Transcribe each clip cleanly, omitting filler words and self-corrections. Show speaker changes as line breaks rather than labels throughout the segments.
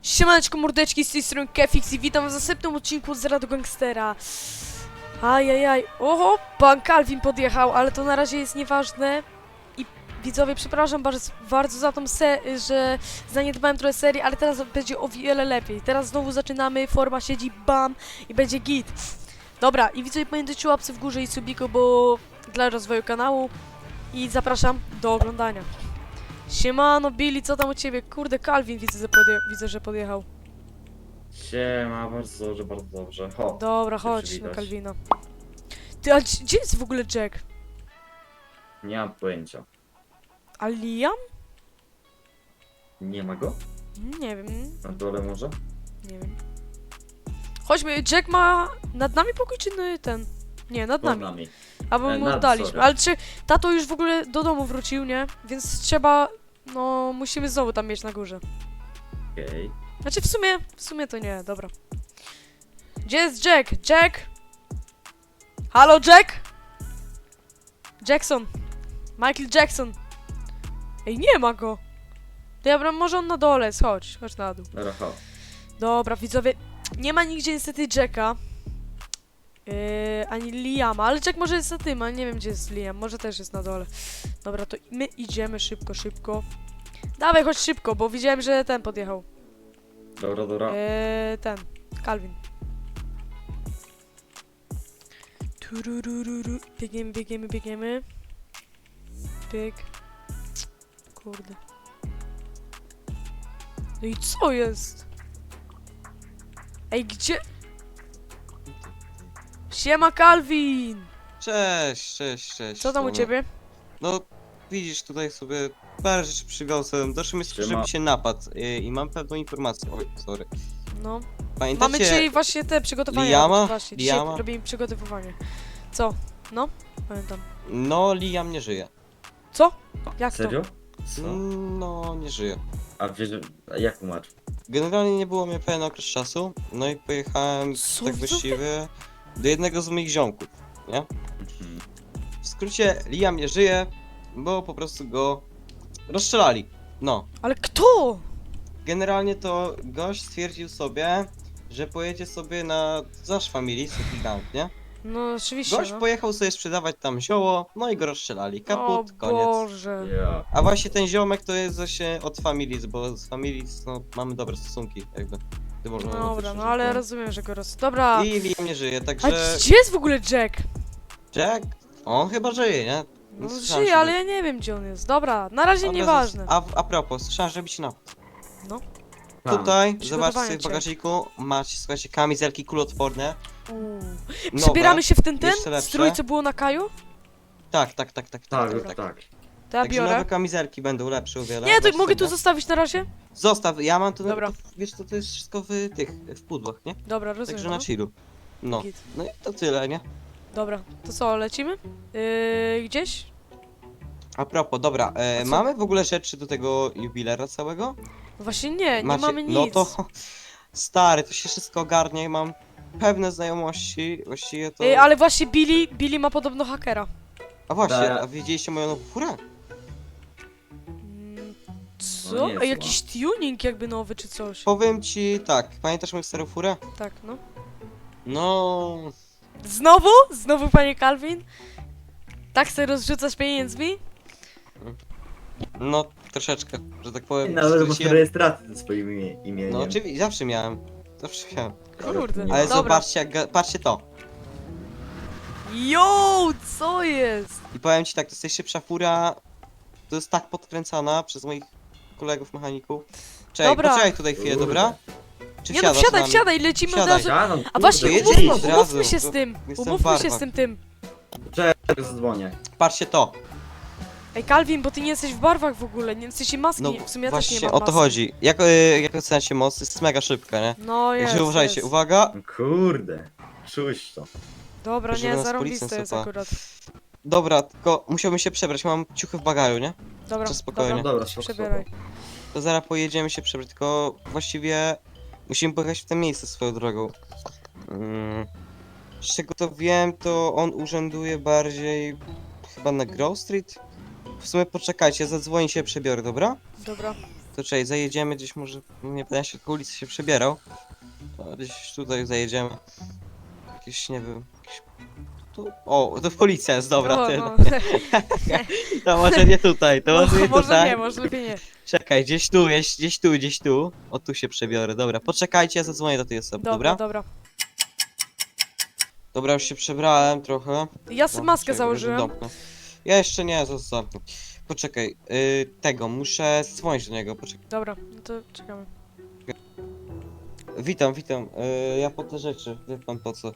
Siemaneczko mordeczki, z tej strony Kefix i witam w następnym odcinku z Radu Gangstera. Ajajaj, oho, pan Calvin podjechał, ale to na razie jest nieważne. I widzowie, przepraszam bardzo za tą że zaniedbałem trochę serii, ale teraz będzie o wiele lepiej. Teraz znowu zaczynamy, forma siedzi, bam, i będzie git. Dobra, i widzowie, pamiętajcie o łapce w górze i subiku, bo dla rozwoju kanału. I zapraszam do oglądania. Siemano, Billy, co tam u ciebie? Kurde, Calvin widzę, że podjechał.
Siema, bardzo dobrze. Ho.
Dobra,
się
chodź na
przywitać.
Calvina. Ty, a gdzie jest w ogóle Jack?
Nie mam pojęcia.
A Liam?
Nie ma go?
Nie wiem,
Na dole może?
nie wiem. Chodźmy, Jack ma nad nami pokój, czy ten? Nie, nad
Pod
nami.
nami.
Albo mu
nad,
oddaliśmy.
sorry.
Ale czy tato już w ogóle do domu wrócił, nie? Więc trzeba, no, musimy znowu tam mieć na górze.
Okej.
Znaczy w sumie to nie, dobra. Gdzie jest Jack? Jack? Halo, Jack? Jackson. Michael Jackson. Ej, nie ma go. Dobra, może on na dole jest, chodź na dół.
Dobra, ho.
Dobra, widzowie, nie ma nigdzie niestety Jacka. Ani Liama, ale Jack może jest na tym, ale nie wiem gdzie jest Liam, może też jest na dole. Dobra, to my idziemy szybko. Dawaj, chodź szybko, bo widziałem, że ten podjechał.
Dobra.
Ten, Calvin. Tururururu. Biegniemy. Bieg. Kurde. No i co jest? Ej, gdzie? Siema, Calvin!
Cześć.
Co tam u ciebie?
No, widzisz, tutaj sobie parę rzeczy przywiozłem. Doszło mi
Siema.
żeby się napadł i mam pewną informację. Oj, sorry.
No.
Pamiętacie?
Mamy dzisiaj właśnie te przygotowania.
Liama?
Właśnie, dzisiaj
Liama?
robimy przygotowywanie. Co? No? Pamiętam.
No, Liam nie żyje.
Co? Jak
Serio? Co?
No, nie żyje.
A wiesz, a jak umarł?
Generalnie nie było mnie pewien okres czasu, no i pojechałem
Co,
tak
widzowie?
właściwie do jednego z moich ziomków, nie?
Mhm.
W skrócie, Liam nie żyje, bo po prostu go rozstrzelali. No.
to? Ale kto?
Generalnie to gość stwierdził sobie, że pojedzie sobie na Zasz Family, City Gang, nie?
No oczywiście,
Gość
no.
pojechał sobie sprzedawać tam zioło, no i go rozstrzelali. Kaput,
O
koniec.
Boże.
Ja.
A właśnie ten ziomek to jest właśnie od Families, bo z Families no, mamy dobre stosunki, jakby. Ty można
Dobra,
też
no
użyć,
ale rozumiem, że go Dobra.
I Liam nie żyje,
A
także
gdzie jest w ogóle Jack?
Jack, on chyba żyje, nie?
No
Słyszałem,
żyje,
że-
ale ja nie wiem gdzie on jest. Dobra, na razie
Dobra,
nieważne.
A propos, słyszałem, żeby się napadł.
Tam.
Tutaj,
Przygotowanie
zobaczcie w
cię.
bagażniku, macie, słuchajcie, kamizelki kuloodporne.
Uuu.
Nowe.
Przebieramy się w ten
jeszcze lepsze.
strój, co było na Kaju?
Tak.
Tak.
To ja
Także
biorę.
nowe kamizelki będą lepsze o wiele.
Nie, to
Zobaczcie
mogę tu
sobie.
zostawić na razie?
Zostaw, ja mam to,
Dobra.
to wiesz co, to jest wszystko w pudłach, nie?
Dobra, rozumiem.
Także
no.
na chillu. No.
Git.
No i to tyle, nie?
Dobra, to co, lecimy? Gdzieś?
A propos, dobra,
A co?
mamy w ogóle rzeczy do tego jubilera całego?
No właśnie nie
Macie?
mamy nic.
No to, stary, to się wszystko ogarnie, mam pewne znajomości, właściwie to...
Ale właśnie Billy ma podobno hakera.
A właśnie,
Da-
a widzieliście moją nową furę?
Mm,
No
Co?
nie jest
Ej, jakiś tuning jakby nowy czy coś.
Powiem ci tak, pamiętasz moją starą furę?
Tak, no.
No...
Znowu? Znowu, panie Calvin? Tak sobie rozrzucasz pieniędzmi?
No, troszeczkę, że tak powiem.
Nawet masz
skróciłem-
rejestrację ze swoim imieniem.
No oczywiście, zawsze miałem. Zawsze miałem.
Kurde.
Nie
Ale
ma.
Dobra.
zobaczcie, patrzcie to.
Yo, co jest?
I powiem ci tak, to jest najszybsza fura. To jest tak podkręcana przez moich kolegów mechaników. Czekaj,
Dobra.
poczekaj tutaj chwilę,
Kurde.
dobra? Czy
Nie no,
wsiadasz z nami?
wsiadaj, lecimy od
Wsiadaj.
razu.
Ja, no,
A właśnie,
kurde,
jedziemy
umówmy,
od razu,
umówmy się
to
z tym.
jestem
Umówmy się
barwak.
z tym.
Czekaj, zadzwonię.
Patrzcie to.
Ej, Calvin, bo ty nie jesteś w barwach w ogóle, nie jesteś maski.
No
W sumie ja też nie
właśnie
mam
o to
maski.
chodzi. Jak oceniacie moc, jest mega szybka, nie?
No jest,
Także uważajcie,
jest.
uwaga.
Kurde. Czuć to.
Dobra,
Żeby
nie,
nas
zarąbiste
policjant
jest
złapał.
akurat.
Dobra, tylko musiałbym się przebrać, mam ciuchy w bagażu, nie?
Dobra,
To spokojnie.
Dobra,
się
spoko,
przebieraj.
To zaraz pojedziemy się przebrać, tylko właściwie musimy pojechać w to miejsce swoją drogą. Z czego to wiem, to on urzęduje bardziej chyba na Grove Street? W sumie poczekajcie, zadzwonię się, przebiorę, dobra?
Dobra.
To czekaj, zajedziemy gdzieś może, nie będę się po ulicy się przebierał. To gdzieś tutaj zajedziemy. Jakieś, nie wiem, jakieś... Tu... O, to policja jest, dobra,
No,
tyle.
no.
To może nie tutaj, to może nie
może
tutaj.
nie, może lepiej nie.
Czekaj, gdzieś tu, gdzieś tu, gdzieś tu. O, tu się przebiorę, dobra. Poczekajcie, ja zadzwonię do tej osoby,
Dobra,
dobra?
dobra.
Dobra, już się przebrałem trochę.
Ja sobie
No,
maskę
czekaj,
założyłem.
zamknę. Ja jeszcze nie, zamknę. Poczekaj, tego, muszę dzwonić do niego, poczekaj.
Dobra, no to czekamy.
Witam, witam. Ja po te rzeczy, wie pan po co.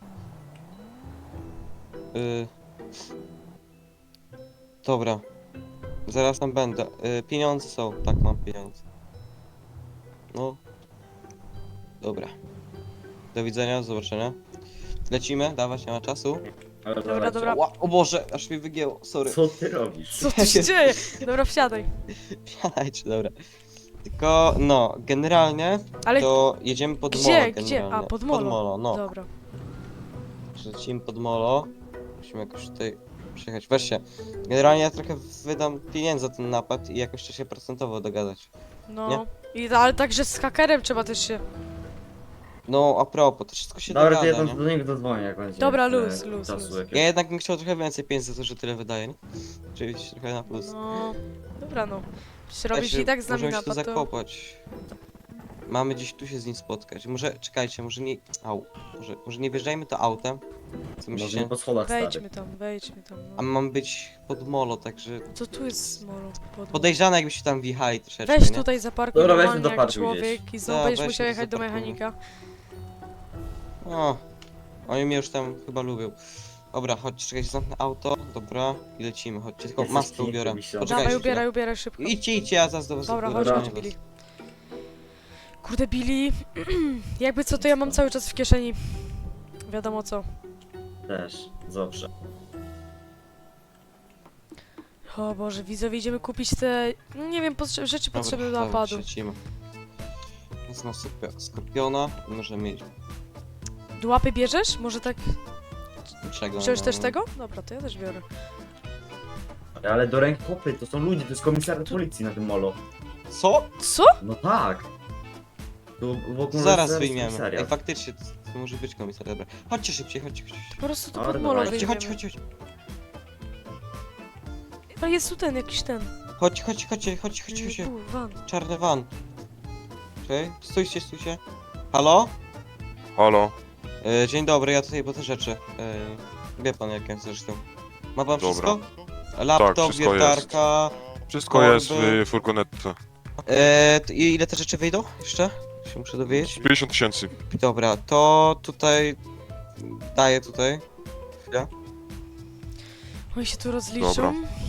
Dobra. Zaraz tam będę. Pieniądze są, tak, mam pieniądze. No. Dobra. Do widzenia, do zobaczenia. Lecimy, dawać, nie ma czasu.
Ale
Dobra,
dawajcie.
dobra.
O Boże, aż mi wygięło, sorry.
Co ty robisz?
Co tu się dzieje? Dobra, wsiadaj.
Wsiadajcie, dobra. Tylko, no, generalnie
Ale
to jedziemy pod
gdzie,
molo
gdzie?
generalnie.
A, pod molo.
Pod molo, no.
Dobra.
Lecimy pod molo. Musimy jakoś tutaj przyjechać. Weźcie. Generalnie ja trochę wydam pieniędzy za ten napad i jakoś trzeba się procentowo dogadać.
No. Ale także z hakerem trzeba też się...
No, a propos, to wszystko się
Dobra, to
dogada,
ja
nie?
do niego zadzwonię, jak będzie.
Dobra,
e,
luz, luz,
czasu
luz.
jakiegoś.
Ja jednak bym chciał trochę więcej pieniędzy za to, że tyle wydaję, nie? Oczywiście trochę na plus.
No. Dobra, no. Przecież robisz
Słuchajcie,
i tak z nami
możemy się tu
napad, to...
zakopać. Mamy gdzieś tu się z nim spotkać. Może, czekajcie, może nie... może nie wjeżdżajmy to autem. Co
Może nie
myślicie?
po schodach, stary.
Wejdźmy tam,
A
no.
mam być pod molo, także...
Co tu jest molo?
Podejrzane jakbyście tam wjechali troszeczkę,
Weź
nie?
tutaj zaparkuj
Dobra, weźmy
normalnie
do
jak
parku
człowiek i znowu
Da,
będziesz
weźmy
musiał
do
jechać do
zaparku.
mechanika.
O, oni mnie już tam chyba lubią. Dobra, chodźcie, czekajcie, zamknę auto, dobra, i lecimy, chodźcie, tylko
Jesteś
maskę
piękny,
ubiorę.
Misio.
Poczekajcie
Dawaj,
chwilę.
ubieraj szybko.
Idźcie, ja zaraz do was
Dobra,
zapraszam
chodź,
was.
Billy. Kurde, Billy. Jakby co, to ja mam cały czas w kieszeni. Wiadomo co.
Też, zawsze.
O Boże, widzowie, idziemy kupić te... No nie wiem, rzeczy potrzebne do
Dobra,
napadu.
lecimy. Jest na skorpiona, możemy mieć
Łapy bierzesz? Może tak...
czego.
Wziąłeś
no,
też
no.
tego? Dobra, to ja też biorę.
Ale do rękopy, to są ludzie, to jest komisariat policji na tym molo.
Co?
Co?
No tak. Tu wokół
Zaraz
jest
wyjmiemy.
komisariat.
Ej, faktycznie, to może być komisariat, dobra. Chodźcie szybciej, chodźcie.
Po prostu to
Dobra,
pod molo
dawajcie.
Chodźcie,
wyjmiemy.
chodźcie.
Ale jest tu ten, jakiś ten.
Chodźcie.
Tu, van.
Czarny van. Okej, stójcie. Halo?
Halo,
Dzień dobry, ja tutaj po te rzeczy. Wie pan jakie zresztą. Ma pan
Dobra.
wszystko? Laptop,
Tak, wszystko
wiertarka.
wszystko
Korby.
jest w furgonetce.
I ile te rzeczy wyjdą? Jeszcze? Się muszę dowiedzieć.
50 tysięcy.
Dobra, to tutaj... Daję tutaj. Chwilę.
Oni się tu rozliczą.
Dobra.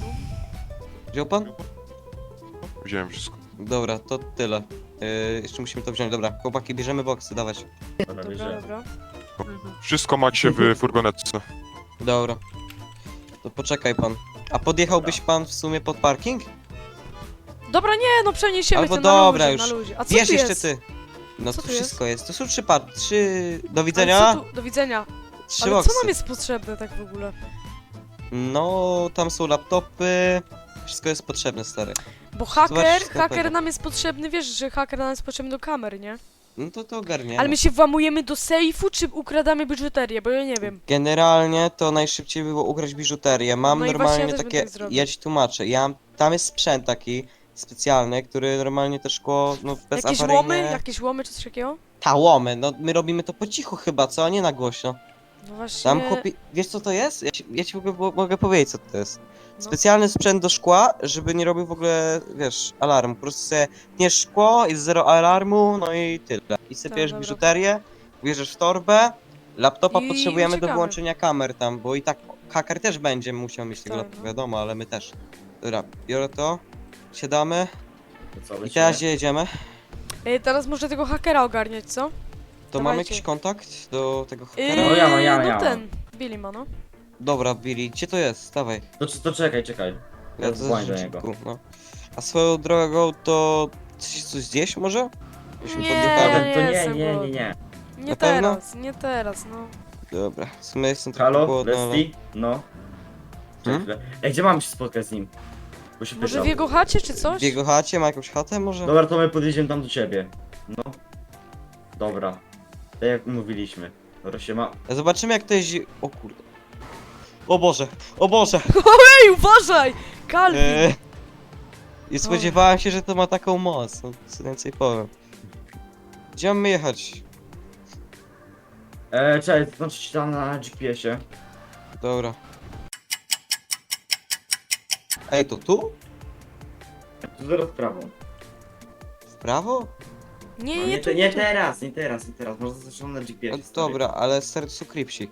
Wziął pan?
Wziąłem wszystko.
Dobra, to tyle. Jeszcze musimy to wziąć. Dobra, chłopaki, bierzemy boksy, dawać.
Dobra,
Dobra,
bierzemy.
dobra.
Wszystko macie w furgonetce.
Dobra. To poczekaj pan. A podjechałbyś pan w sumie pod parking?
Dobra, nie, no przeniesiemy
Albo
to
dobra
na
już.
luzie, na luzie. A co
Wiesz
tu
jeszcze
jest?
ty. No
Co
tu
tu jest?
wszystko jest. To są trzy... Do
Ale
widzenia.
co tu? Do widzenia.
Trzy
Ale
boksy.
co nam jest potrzebne tak w ogóle?
No, tam są laptopy. Wszystko jest potrzebne, stary.
Bo haker
wszystko na pewno.
nam jest potrzebny, wiesz, że haker nam jest potrzebny do kamer, nie?
No to ogarniemy.
Ale my się włamujemy do sejfu, czy ukradamy biżuterię, bo ja nie wiem.
Generalnie to najszybciej było ugrać biżuterię. Mam
No i właśnie
normalnie
ja też bym
takie...
tak zrobił.
Ja ci tłumaczę. Tam jest sprzęt taki specjalny, który normalnie to szkło, no bezawaryjnie...
Jakieś łomy czy coś takiego?
Ta łomy, no my robimy to po cichu chyba, co? A nie na głośno.
No właśnie.
Tam chłopie... Wiesz co to jest? Ja ci mogę powiedzieć co to jest.
No.
Specjalny sprzęt do szkła, żeby nie robił w ogóle, wiesz, alarmu. Po prostu sobie tniesz szkło, jest zero alarmu, no i tyle. I sypiesz
dobra.
biżuterię, bierzesz w torbę, laptopa
I
potrzebujemy do
uciekamy.
wyłączenia kamer tam, bo i tak haker też będzie musiał mieć tego
Tak,
laptopa,
no.
wiadomo, ale my też. Dobra, biorę to, siadamy
To co,
i
lecimy?
teraz gdzie jedziemy?
Ej, teraz może tego hakera ogarniać, co?
To mamy
Dawajcie.
jakiś kontakt do tego hakera?
No ja mam.
No ten, Billy ma, no.
Dobra, Billy, gdzie to jest? Dawaj.
To czekaj. Ja
to
dzwonię do
jest
niego.
szybku, no. A swoją drogą to coś zjeść może? Byśmy
Nie,
podjechali.
ja
To
jestem
nie.
głodny. Nie
Na pewno?
teraz, no.
Dobra, w sumie jestem trochę
Halo,
głodny, ale...
Leslie? No.
Hmm?
Czekaj chwilę. Ej, gdzie mam się spotkać z nim? Bo się
Może
pytał.
w jego chacie czy coś?
W jego chacie ma jakąś chatę może?
Dobra, to my podjedziemy tam do ciebie. No. Dobra. Tak jak mówiliśmy. Dobra, się ma...
Zobaczymy jak to jest... O kurde. O Boże, o Boże!
Ej, uważaj! Kalwin!
I spodziewałem się, że to ma taką moc, no co więcej powiem. Gdzie mamy jechać?
Czekaj, to znaczy tam na GPS-ie.
Dobra. Ej, to tu?
Tu zaraz w prawo.
W prawo?
Nie,
No,
nie,
nie,
tu,
nie
nie tu.
teraz, nie teraz, nie teraz. Może zaczynam na
No,
GPS-ie. stary.
dobra, ale stary to są kripsi.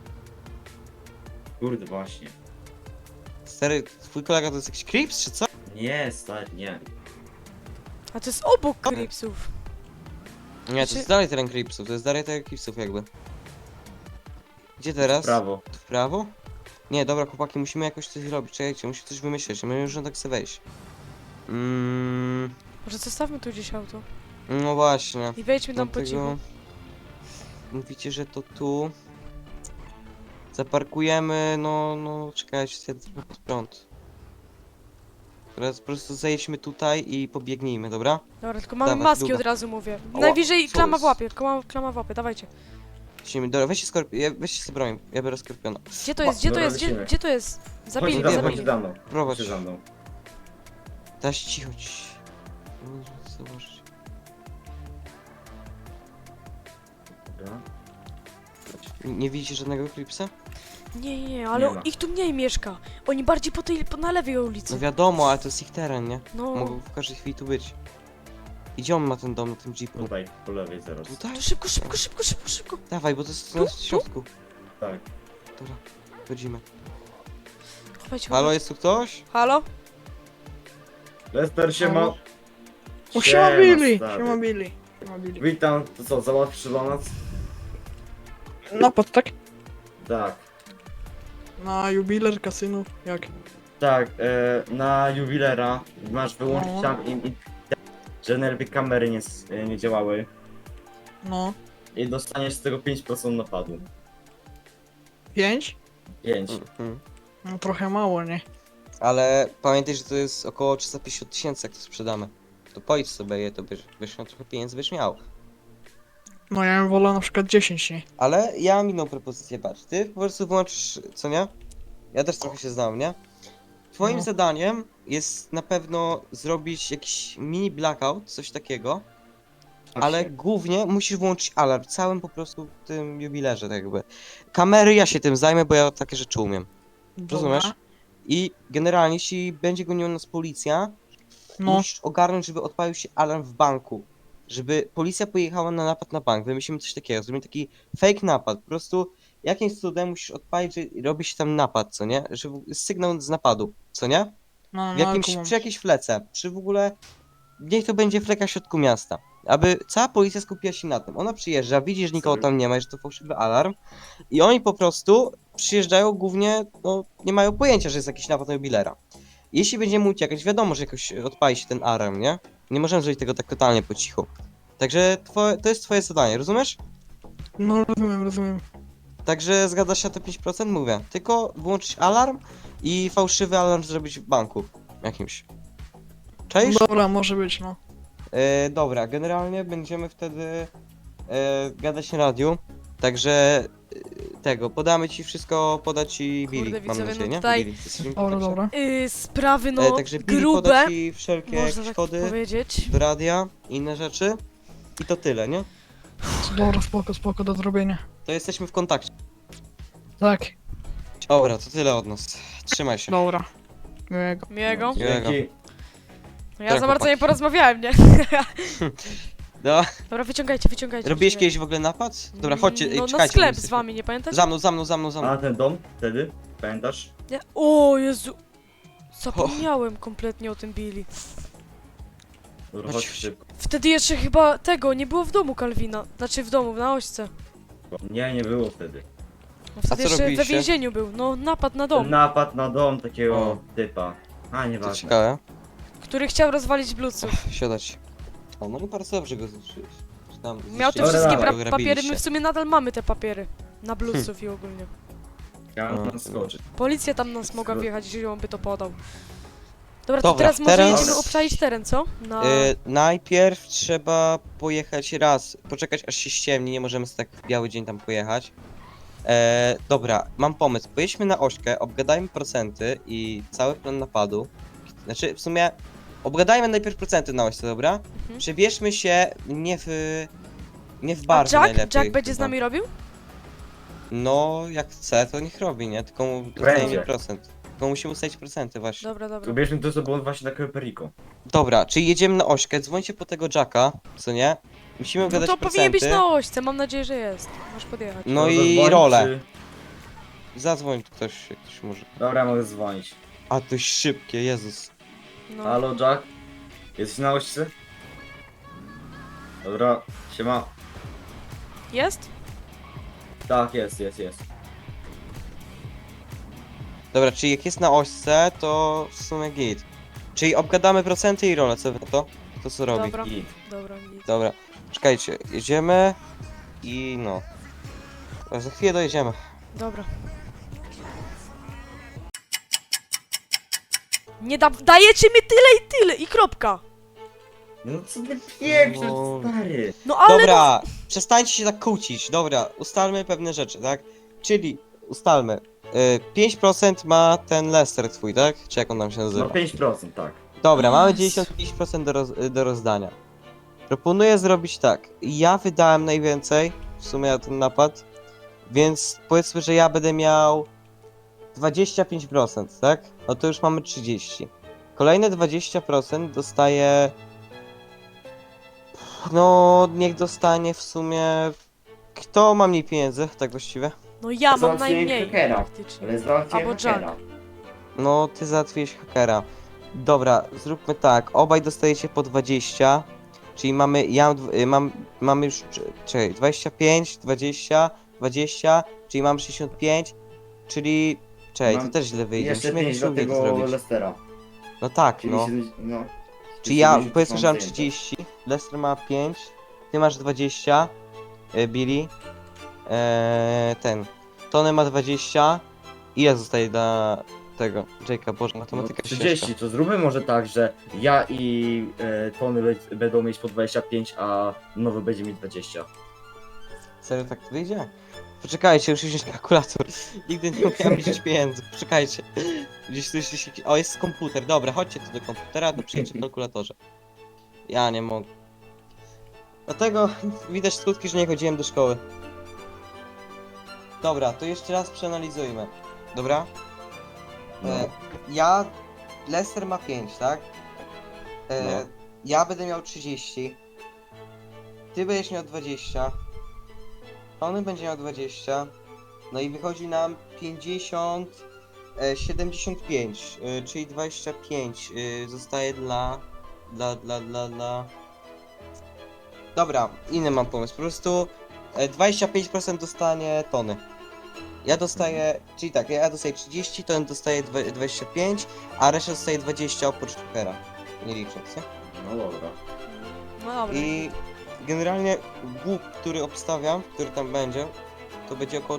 Kurde, właśnie.
Stary, twój kolega to jest jakiś krips, czy co?
Nie, stary, nie.
A to jest obok Cripsów.
Nie, to jest dalej teren kripsów, to jest dalej teren kripsów jakby. Gdzie teraz?
W prawo.
W prawo? Nie, dobra chłopaki, musimy jakoś coś zrobić, czekajcie, musimy coś wymyśleć, my już tak sobie wejść.
Może zostawmy tu gdzieś auto.
No właśnie.
I wejdźmy tam po cichu.
Dlatego mówicie, że to tu. Zaparkujemy, no, czekajcie, ja trochę pod prąd. Teraz po prostu zajedźmy tutaj i pobiegnijmy, dobra?
Dobra, tylko mamy
Dawaj,
maski
długo.
od razu mówię.
Ała,
Najwyżej
co
klama w
jest?
łapie, klama w łapie, dawajcie.
Lecimy, dobra, weźcie sobie broń, ja biorę skorpiona.
Gdzie to jest, gdzie to
Dobra,
jest,
lecimy.
gdzie to jest? Zabili
Chodź
go,
za mną,
zabili.
chodź
zabili.
za mną.
Prowadź.
Chodź za mną.
Teraz cicho, zobaczcie.
Dobra.
Nie widzicie żadnego klipsa?
Nie, ale
Nie ma.
ich tu mniej mieszka. Oni bardziej na lewej
No
ulicy.
wiadomo, ale to jest ich teren, nie?
No,
Mogą w każdej chwili tu być. Gdzie on ma ten dom na tym jeepu?
Tutaj, po lewej zaraz.
Tutaj?
to szybko, szybko, szybko, szybko, szybko.
Dawaj, bo to jest
Tu?
w środku.
Tak.
Dobra, wchodzimy.
Chowajcie,
Halo,
chowajcie.
jest tu ktoś?
Halo?
Lester się ma...
O, siema Billy!
stary.
Siema Billy! Siema Billy.
Witam, to co, załatwisz dla nas?
Napad, tak?
Tak.
Na jubiler, kasynu, jak?
Tak, na jubilera masz wyłączyć
No.
tam że nerwy kamery nie działały
No.
i dostaniesz z tego 5% napadu.
5?
5.
Mhm.
No trochę mało, nie?
Ale pamiętaj, że to jest około 350 000, jak to sprzedamy. To pojdź sobie je, to byś miał trochę pieniędzy, byś miał.
No ja bym wolał na przykład 10, nie?
Ale ja mam inną propozycję, patrz. Ty po prostu włączysz, co nie? Ja też trochę się znam, nie? Twoim
No.
zadaniem jest na pewno zrobić jakiś mini blackout, coś takiego. Ale głównie musisz włączyć alarm całym po prostu tym jubilerze, tak jakby. Kamery ja się tym zajmę, bo ja takie rzeczy umiem. Rozumiesz?
Dobra.
I generalnie, jeśli będzie goniła nas policja,
No.
musisz ogarnąć, żeby odpalił się alarm w banku. Żeby policja pojechała na napad na bank. Wymyślimy coś takiego, zrobimy taki fake napad. Po prostu jakimś cudem musisz odpalić, że robi się tam napad, co nie? Że sygnał z napadu, co nie?
No,
W
no,
jakimś,
kumam.
przy jakiejś flece, przy w ogóle... Niech to będzie fleka w środku miasta. Aby cała policja skupiła się na tym. Ona przyjeżdża, widzi, że nikogo tam nie ma, że to fałszywy alarm. I oni po prostu przyjeżdżają głównie, no nie mają pojęcia, że jest jakiś napad na jubilera. Jeśli będziemy uciekać, wiadomo, że jakoś odpali się ten alarm, nie? Nie możemy zrobić tego tak totalnie po cichu. Także to jest twoje zadanie, rozumiesz?
No rozumiem, rozumiem.
Także zgadza się na te 5%? Mówię. Tylko włączyć alarm i fałszywy alarm zrobić w banku jakimś. Cześć?
Dobra, może być, no.
Dobra, generalnie będziemy wtedy gadać na radiu, także tego, podamy ci wszystko, poda ci
Kurde,
Billy, mam
widzowie,
nadzieję,
no
nie?
tutaj-
Billy, jesteś w
Dobra,
kontakcie?
dobra.
Sprawy no
Także Billy poda
grube,
ci wszelkie
można
jakieś
tak
kody
powiedzieć.
do radia, inne rzeczy i to tyle, nie?
Dobra, spoko, spoko, do zrobienia.
To jesteśmy w kontakcie.
Tak,
Dobra, to tyle od nas. Trzymaj się.
dobra. Miłego.
Miłego.
Dzięki.
No ja za bardzo nie
chłopaki.
porozmawiałem, nie?
No,
Dobra, wyciągajcie.
robiłeś
wyciągajcie.
kiedyś w ogóle napad? Dobra, chodźcie,
No na
czekajcie.
sklep
jesteśmy-
z wami, nie pamiętasz?
Za mną.
A ten dom wtedy? Pamiętasz?
Nie. O Jezu. Zapomniałem kompletnie o tym Billy.
Dobra,
Chodź.
chodź szybko.
Wtedy jeszcze chyba tego nie było w domu Kalwina. Znaczy w domu, na ośce.
Nie było wtedy.
No wtedy
co
jeszcze we
robiliście?
więzieniu był. No napad na
Ten
dom,
napad na dom takiego
O.
typa. A,
To
nieważne.
ciekawe.
który chciał rozwalić bluców.
Siadać. O, no i bardzo dobrze go zniszczyłeś. Czy tam
Miał te
zniszczyłeś,
wszystkie
Dobra,
go
papiery, my
grabiliście.
w sumie nadal mamy te papiery. Na bluców i ogólnie.
Ja mam tam skoczyć.
Policja tam nas mogła wjechać, jeżeli on by to podał. Dobra, to
Dobra,
teraz może
teraz-
jedziemy obczaić teren, co? No.
Najpierw trzeba pojechać raz, poczekać aż się ściemni, nie możemy sobie tak w biały dzień tam pojechać. Dobra, mam pomysł. Pojedźmy na ośkę, obgadajmy procenty i cały plan napadu. Znaczy, w sumie, obgadajmy najpierw procenty na ośce, dobra?
Mhm.
Przebierzmy się nie w
A
bar najlepiej.
Jack będzie z
chyba.
nami robił?
No, jak chce, to niech robi, nie? Tylko mu dostajemy
Będzie.
procent. Tylko musimy ustalić procenty właśnie.
Dobra, dobra.
Ubierzmy to, co było właśnie na Perico.
Dobra, czyli jedziemy na ośkę, dzwońcie po tego Jacka, co nie? Musimy
No
obgadać
to powinien
procenty.
być na ośce, mam nadzieję, że jest. Możesz podjechać.
No
Może
i
dzwonić,
rolę.
czy-
Zadzwoń ktoś, jak ktoś może.
Dobra, mogę dzwonić.
A to szybkie, Jezus.
No.
Halo, Jack? Jesteś na ośce? Dobra, siema.
Jest?
Tak, jest.
Dobra, czyli jak jest na ośce, to w sumie git. Czyli obgadamy procenty i rolę, co wy na to? To co robi?
Dobra,
I
dobra, nic.
Dobra, czekajcie, jedziemy i no. Za chwilę dojedziemy.
Dobra. Nie dajecie mi tyle i tyle i kropka.
no co ty pieprzysz,
No.
stary?
No ale
Dobra, przestańcie się tak kłócić. Dobra, ustalmy pewne rzeczy, tak? Czyli ustalmy. 5% ma ten Lester twój, tak? Czy jak on tam się nazywa?
No 5%, tak.
Dobra, mamy
Jezu.
95% do rozdania. Proponuję zrobić tak. Ja wydałem najwięcej, w sumie na ten napad, więc powiedzmy, że ja będę miał 25%, tak? No to już mamy 30. Kolejne 20% dostaje... No, niech dostanie w sumie... Kto ma mniej pieniędzy, tak właściwie?
no ja mam
Załatwiłem
najmniej
hakera.
praktycznie.
Ale załatwiłem
Albo
hakera.
No, ty załatwiłeś hakera. Dobra, zróbmy tak. Obaj dostajecie po 20. Czyli mamy. Mamy już. Czekaj, 25, 20, 20, czyli mam 65. Czyli. Czekaj, to
Mam
też źle wyjdzie.
Jeszcze
Musimy
5
jakieś
do
równie to
tego
zrobić.
Lestera.
No tak,
Czyli
no.
no.
Czyli ja
70
powiedzmy, że mam
zajęte.
30. Lester ma 5. Ty masz 20. Billy. Tony ma 20. Ile zostaje dla tego? Jake'a, Boże,
No,
matematyka
30, to zróbmy może tak, że ja i Tony będą mieć po 25, a nowy będzie mieć 20.
Serio tak to wyjdzie? Poczekajcie, muszę wziąć kalkulator. Nigdy nie umiałem liczyć pieniędzy. Poczekajcie. Gdzieś tu jest... O, jest komputer. Dobra, chodźcie tu do komputera, to przyjęcie kalkulatorze. Ja nie mogę. Dlatego widać skutki, że nie chodziłem do szkoły. Dobra, to jeszcze raz przeanalizujmy. Dobra?
No.
Ja... Lester ma 5, tak?
No.
Ja będę miał 30. Ty będziesz miał 20. Tony będzie miał 20. No i wychodzi nam 50, 75, czyli 25 zostaje dla... Dobra, inny mam pomysł. Po prostu 25% dostanie Tony. Ja dostaję, czyli tak, ja dostaję 30, Tony dostaje 25, a reszta dostaje 20 oprócz Jokera. Nie licząc, nie?
No dobra.
No dobra.
I generalnie łup, który obstawiam, który tam będzie, to będzie około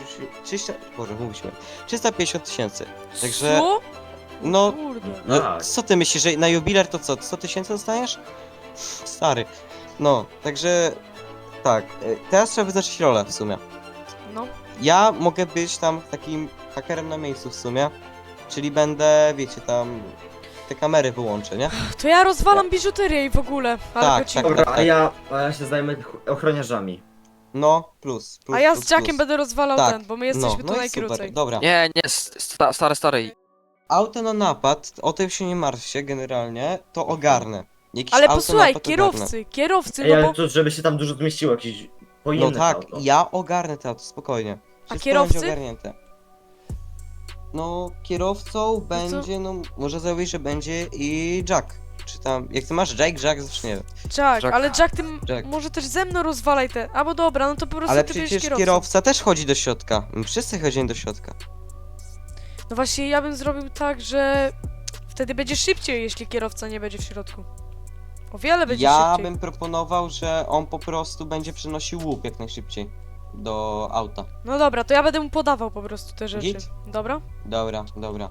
350 tysięcy. Także,
Co?
no,
Kurde.
no
Tak.
co ty myślisz, że na jubiler to co, 100 tysięcy dostaniesz? Stary. No, także, tak, teraz trzeba wyznaczyć rolę w sumie.
No.
Ja mogę być tam takim hakerem na miejscu w sumie, czyli będę, wiecie, tam te kamery wyłączę, nie?
To ja rozwalam biżuterię i w ogóle. Ale
Tak,
po cichu.
tak.
Dobra, a ja się zajmę ochroniarzami.
No, plus.
A ja
plus,
z Jackiem
plus.
będę rozwalał
Tak,
ten, bo my jesteśmy tu
i
najkrócej.
super, dobra.
Nie, stary.
Auto na napad, o tym się nie martwcie generalnie, to ogarnę. Jakiś
Ale
auto na
posłuchaj,
napad ogarnę.
kierowcy,
Ej,
no
ale
bo...
to, żeby się tam dużo zmieściło, jakieś
No
pojemne
tak,
auto.
ja ogarnę to auto, spokojnie. Wszystko
kierowcy?
będzie ogarnięte. No, kierowcą będzie, no, może założyć, że będzie i Jack. Czy tam, jak ty masz Jack, zawsze nie wiem.
Jack,
Jack.
ale Jack, ty
Jack.
może też ze mną rozwalaj te... Albo dobra, no to po prostu
Ale
ty będziesz
przecież
kierowcą.
kierowca też chodzi do środka. My wszyscy chodzimy do środka.
No właśnie, ja bym zrobił tak, że... Wtedy będzie szybciej, jeśli kierowca nie będzie w środku. O wiele będzie
Ja
szybciej.
bym proponował, że on po prostu będzie przynosił łup jak najszybciej do auta.
No dobra, to ja będę mu podawał po prostu te rzeczy.
Git?
Dobra?
Dobra.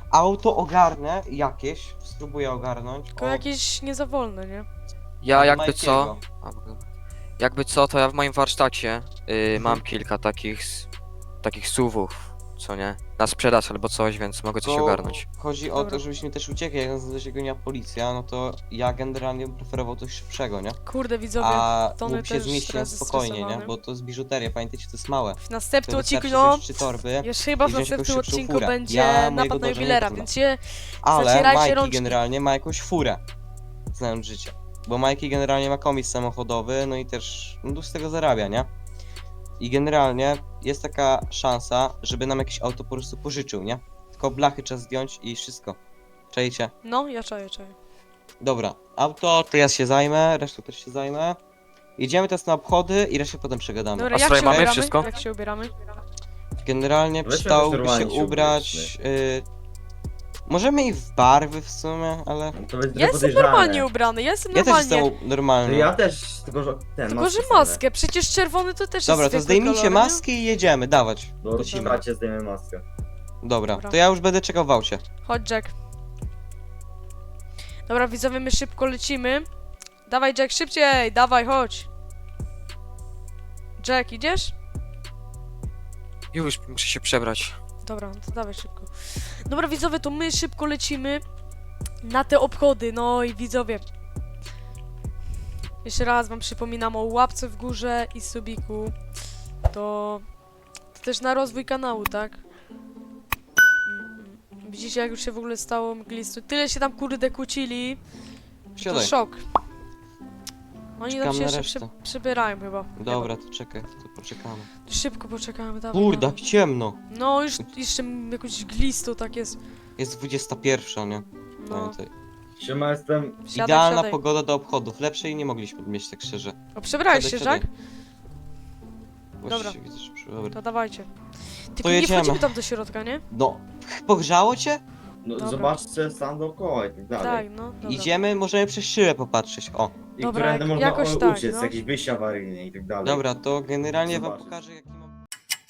Auto ogarnę jakieś, spróbuję ogarnąć.
Tylko
O,
jakieś nie za wolne, nie?
Ja
od
jakby co...
Majkiego.
A, w ogóle. Jakby co, to ja w moim warsztacie mam kilka takich SUV-ów, co nie? Na sprzedaż albo coś, więc mogę coś
To
ogarnąć.
Chodzi o
Dobra.
to, żebyśmy też uciekli, jak nas dosięgnie policja, no to ja generalnie bym preferował coś szybszego, nie?
Kurde, widzowie,
A
Tony
mógł się
też
zmieścić na
teraz
spokojnie, nie?
zestresowany.
Bo to jest biżuteria, pamiętajcie, to jest małe.
w następnym
To
odcinku,
wystarczy
no,
wziąć 3 torby,
jeszcze chyba w
i wziąć jakąś
następnym
szybszą
odcinku
furę.
będzie
Ja mojego
napad na
dążenia
jubilera,
nie
więc się
ale
zacierajcie
Majki
rączki.
generalnie ma jakąś furę, znając życie. Bo Majki generalnie ma komis samochodowy, no i też no, z tego zarabia, nie? I generalnie jest taka szansa, żeby nam jakieś auto po prostu pożyczył, nie? Tylko blachy trzeba zdjąć i wszystko. Czajcie?
No, ja czaję.
Dobra, auto to ja się zajmę, resztą też się zajmę. Jedziemy teraz na obchody i resztę potem przegadamy.
Dobra,
A
jak
słuchaj,
się
mamy
ubieramy?
wszystko?
Jak się ubieramy?
Generalnie
Weźmy
przydałoby
jakoś
się
normalnie się
ubrać... możemy i w barwy w sumie, ale...
To jest
Ja jestem
podejrzane.
normalnie ubrany, ja jestem
Ja też
normalnie.
jestem
To
normalny.
ja też, tylko że ten
Tylko, że
maskę
maskę, przecież czerwony to też
Dobra,
jest
to
zwykły
zdejmijcie
kolor, nie?
maski i jedziemy, dawać.
No,
Lecimy.
bracie, zdejmę maskę.
Dobra,
Dobra.
to ja już będę czekał w aucie.
Chodź, Jack. Dobra, widzowie, my szybko lecimy. Dawaj, Jack, szybciej! Dawaj, chodź! Jack, idziesz?
Już, muszę się przebrać.
Dobra, no to dawaj szybko. Dobra, widzowie, to my szybko lecimy na te obchody. No i widzowie. Jeszcze raz wam przypominam o łapce w górze i subiku. To też na rozwój kanału, tak? Widzicie, jak już się w ogóle stało mglisto. Tyle się tam kurde kłócili. To
Siadaj.
szok. Oni tam
Czekam
się
na
jeszcze
resztę.
przybierają chyba.
Dobra, to czekaj, to poczekamy.
Szybko poczekamy, dawaj.
Kurde,
dawaj.
jak ciemno.
No już jeszcze jakąś glistą tak jest.
Jest 21, nie?
No.
Pamiętaj.
Siema, jestem...
Wsiadaj,
Idealna
wsiadaj.
pogoda do obchodów. Lepszej nie mogliśmy mieć, tak szczerze.
O, przebrałeś się,
Siadaj,
Jack?
Właśnie
Dobra.
widzę, że dobra.
To dawajcie. Tylko nie
jedziemy.
wchodzimy tam do środka, nie?
No, pogrzało cię?
No,
Dobra.
zobaczcie stan dookoła i tak dalej.
Tak, no, dobra.
Idziemy, możemy przez szybę popatrzeć. O,
I
Dobra,
którędy można
jakoś tak,
uciec,
no.
jakieś wyjścia awaryjne i tak dalej.
dobra, to generalnie wam
Zobacz.
pokażę, jaki mam...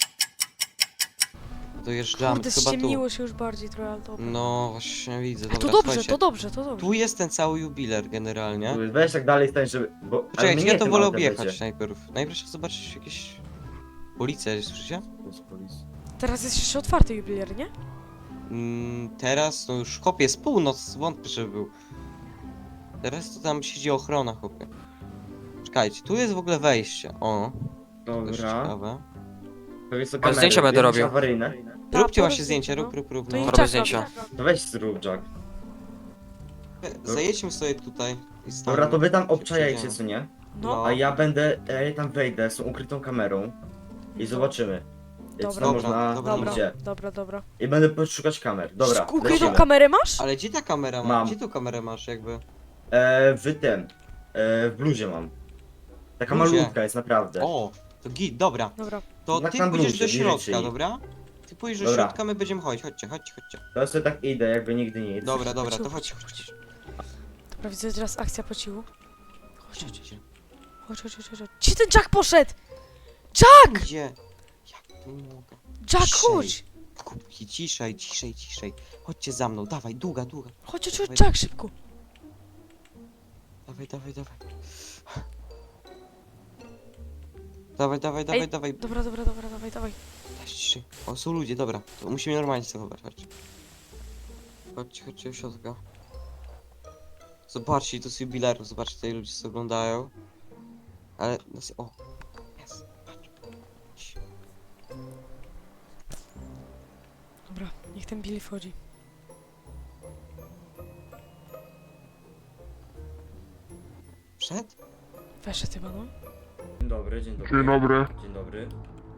Dojeżdżamy,
Kurde,
chyba tu.
ściemniło się już bardziej trochę, ale dobra.
No, właśnie widzę,
A
dobra,
to dobrze,
słuchajcie.
to dobrze, to dobrze.
Tu jest ten cały jubiler generalnie.
Weź tak dalej stań, żeby... Bo... ale
Poczekajcie,
mnie
ja to
tym
wolę
autem
objechać
będzie.
najpierw. Najpierw trzeba zobaczyć jakieś... Policje, słyszycie?
Teraz jest jeszcze otwarty jubiler, nie?
Teraz, no już chłopie, jest północ, wątpię, żeby był. Teraz to tam siedzi ochrona, chłopie. Czekajcie, tu jest w ogóle wejście, o. To jest
Dobra.
ciekawe.
Pewnie są
Ale
kamery,
zdjęcia będę
zdjęcia
robił.
awaryjne.
Tak,
Róbcie właśnie
porób
zdjęcia,
zdjęcia,
rób,
To i
no.
Robię
Jack
zdjęcia.
robi.
To weź zrób, Jack.
Zajedźmy sobie tutaj i staniemy.
Dobra, to wy tam
Się
obczajajcie,
przejdziemy.
co nie?
No,
A ja będę, ja tam wejdę z tą ukrytą kamerą i zobaczymy.
Dobra.
Co można
Dobra,
idzie.
dobra.
I będę poszukać kamer. Dobra,
Ukrytą
lecimy.
kamerę masz?
Ale gdzie ta kamera ma?
Mam.
Gdzie tu kamerę masz jakby?
W bluzie mam. Taka
Bluzie?
malutka jest naprawdę.
O, to git, dobra.
Dobra.
To
Tak
ty
na
pójdziesz
bluzie,
do środka,
bliżej.
dobra? Ty pójdziesz do
Dobra.
środka, my będziemy chodzić, chodźcie.
To ja sobie tak idę, jakby nigdy nic.
Dobra, to
Chodź.
chodź.
Dobra, widzę teraz akcja po cichu. Chodź.
Chodźcie.
Gdzie ten Jack poszedł?
Gdzie? Jak tu mogę?
Jack,
Ciszej.
chodź!
Kubki, ciszej. Chodźcie za mną, dawaj, długa.
Chodź, Jack, szybko.
Dawaj. Dawaj.
Dobra, dawaj.
Ciszej. O, są ludzie, dobra. To musimy normalnie się zachować, chodźcie. Chodźcie do środka. Zobaczcie, to jest jubilerów, zobaczcie, tutaj ludzie się oglądają. Ale, o. Jest, patrz.
Dobra, niech ten Billy wchodzi.
Przed?
Weszedł chyba, no.
Dzień dobry, dzień dobry.
Dzień dobry.
Dzień dobry.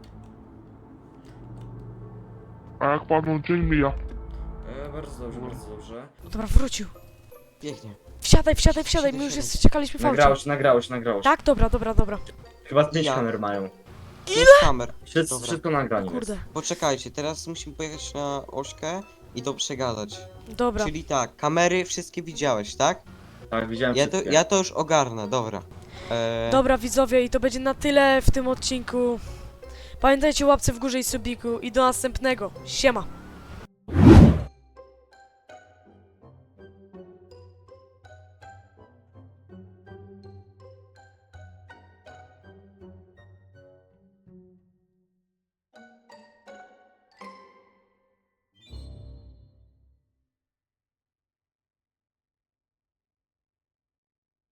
A jak panu dzień mija?
Bardzo dobrze.
Dobra, wrócił.
Pięknie.
Wsiadaj, my już czekaliśmy w aucie.
Nagrało się.
Tak, dobra.
Chyba 5
Ja.
kamer mają.
Ile? Kamer. Dobra.
Wszystko nagranie
Kurde.
jest.
Poczekajcie, teraz musimy pojechać na ośkę i to przegadać.
Dobra.
Czyli tak, kamery wszystkie widziałeś, tak?
Tak, widziałem
Ja
wszystkie.
to już ogarnę, dobra.
Dobra, widzowie, i to będzie na tyle w tym odcinku. Pamiętajcie o łapce w górze i subiku i do następnego. Siema.